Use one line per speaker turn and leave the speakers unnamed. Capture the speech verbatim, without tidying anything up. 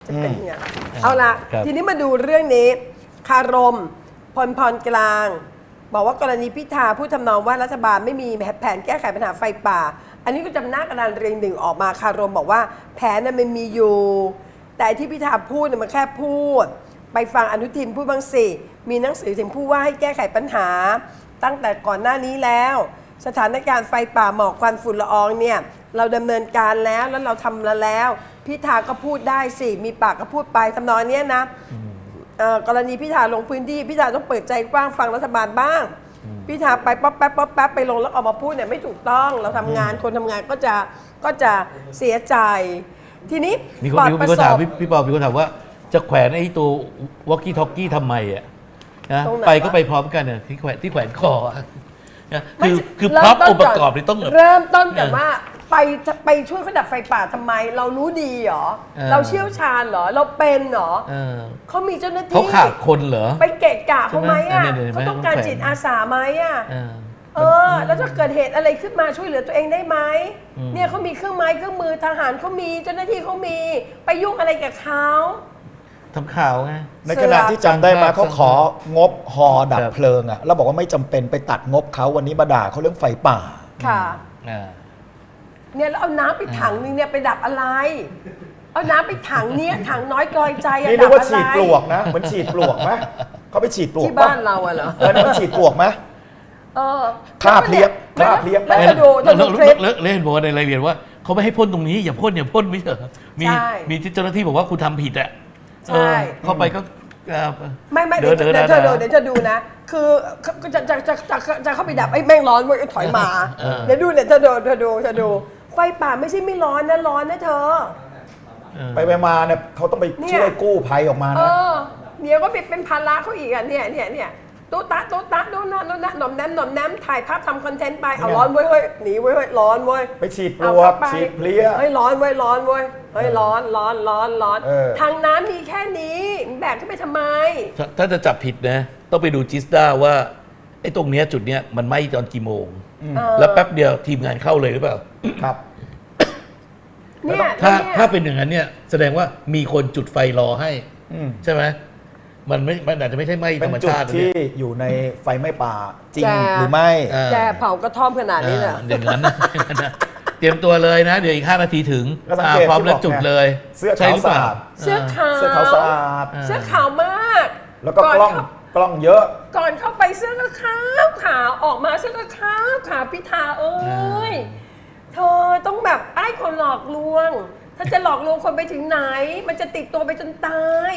จะเป็นไงเอาละทีนี้มาดูเรื่องนี้คารมพลพรกลางบอกว่ากรณีพิธาผู้ทำนองว่ารัฐบาลไม่มีแผนแก้ไขปัญหาไฟป่าอันนี้ก็จำหน้ากระดานเรียงหนึ่งออกมาคารมบอกว่าแผนนั้นมันมีอยู่แต่ที่พิธาพูดเนี่ยมันแค่พูดไปฟังอนุทินพูดบ้างสิมีหนังสือถึงผู้ว่าให้แก้ไขปัญหาตั้งแต่ก่อนหน้านี้แล้วสถานการณ์ไฟป่าหมอกควันฝุ่นละอองเนี่ยเราดำเนินการแล้วแล้วเราทำแล้วพิธาก็พูดได้สิมีปากก็พูดไปทำนองนี้นะกรณีพิธาลงพื้นที่พิธาต้องเปิดใจกว้างฟังรัฐบาลบ้างพิธาไปป๊อปแป๊บป๊อปแป๊บไปลงแล้วออกมาพูดเนี่ยไม่ถูกต้องเราทำงานคนทำงานก็จะก็จะเสียใจทีนี้
มีคนมีคนถามพี่ปอมีคนถามว่าจะแขวนไอ้ตัววอกกี้ท็อกกี้ทำไมอ่ะนะไปก็ไปพร้อมกันเนี่ยที่แขวนที่แขวนคอนะคือคือพร็อพองค์ประกอบนี่ต้อง
เริ่มต้นแต่ว่าไปไปช่วยเขาดับไฟป่าทำไมเรารู้ดีเหรอเราเชี่ยวชาญเหรอเราเป็นเหรอเขามีเจ้าหน้าที่
เขาขาดคนเหรอ
ไปเกะกะเขาไหมอ่ะเขาต้องการจิตอาสาไหมอ่ะเออแล้วถ้าเกิดเหตุอะไรขึ้นมาช่วยเหลือตัวเองได้ไหมเนี่ยเขามีเครื่องไม้เครื่องมือทหารเขามีเจ้าหน้าที่เขามีไปยุ่งอะไรกับเขา
ทำข่าวไง
ในขณะที่จำได้มาเขาของบฮอดับเพลิงอ่ะแล้วบอกว่าไม่จำเป็นไปตัดงบเขาวันนี้มาด่าเขาเรื่องไฟป่า
ค่ะเนี่ยแล้วเอาน้ำไปถังนึงเนี่ยไปดับอะไรเอาน้ำไปถังเนี้ยถังน้อยกลอยใจอะ
นี่เรียกว่าฉีดปลวกนะเหมือนฉีดปลวกไหมเขาไปฉีดปลวก
ที่บ้านเราอะเหรอ
เออมันฉีดปลวกไหม
เออ
ฆ่าเพลี้ยฆ่าเพลี้ย
แล้วจะดูจะดูคลิป
เล่นบอกในรายละเอียดว่าเขาไม่ให้พ่นตรงนี้อย่าพ่นอย่าพ่นไม่เถอะมีมีเจ้าหน้าที่บอกว่าคุณทำผิดอะ
ใช่
เข้าไปก็
ไม่ไม่เดี๋ยวเดี๋ยวเธอดูเดี๋ยวจะดูนะคือจะจะจะจะจะเข้าไปดับไอ้แม่งร้อนเว้ยถอยมาเดี๋ยวดูเดี๋ยวเธอดูเธอดูเธอดูไฟป่าไม่ใช่ไม่ร้อนนะร้อนนะเธอ
ไปไปมาเนี่ยเขาต้องไปช่วยกู้ภัยออกมานะ
เดี๋ยวก็เป็นภาระเขาอีกอ่ะเนี่ยเนี่ยเนี่ยตุ๊ตาตุ๊ตาโดนนะโดนนะหน่อมแนมหน่อมแนมถ่ายภาพทำคอนเทนต์ไปเอาร้อนเว้ยเฮ้ยหนีเว้ยเฮ้ยร้อนเว้ย
ไปฉีดปลวกฉีดเพลี้ย
เฮ้ยร้อนเว้ยร้อนเว้ยเฮ้ยร้อนร้อนร้อนร้อนทางน้ำมีแค่นี้แบกขึ้นไปทำไม
ถ้าจะจับผิดนะต้องไปดูจิสด้าว่าไอ้ตรงเนี้ยจุดเนี้ยมันไหม้ตอนกี่โมงแล้วแป๊บเดียวทีมงานเข้าเลยหรือเปล่า
ครับ
เนี่ย
ถ้าถ้าเป็นอย่างนั้นเนี่ยแสดงว่ามีคนจุดไฟรอให้ใช่ไหมมันไม่มันอาจจะไม่ใช่ไหม้ธรรมชาติ
ที่อยู่ในไฟไหม้ป่าจริงหรือไม่
แกเผากระท่อมขนาดนี้เนี่ย
อย่างนั้นเตรียมตัวเลยนะเดี๋ยวอีกห้านาทีถึงพร้อมแล้วจุดเลย
เสื้อขาวสะอาด
เสื้อขาว
เสื้อขาวสะอาด
เสื้อขาวมาก
แล้วก็กล้องกล้องเยอะ
ก่อนเข้าไปเสื้อก็ขาวขาวออกมาเสื้อก็ขาวขาวพิธาเอ้ยเธอต้องแบบไอ้คนหลอกลวงถ้าจะหลอกลวงคนไปถึงไหนมันจะติดตัวไปจนตาย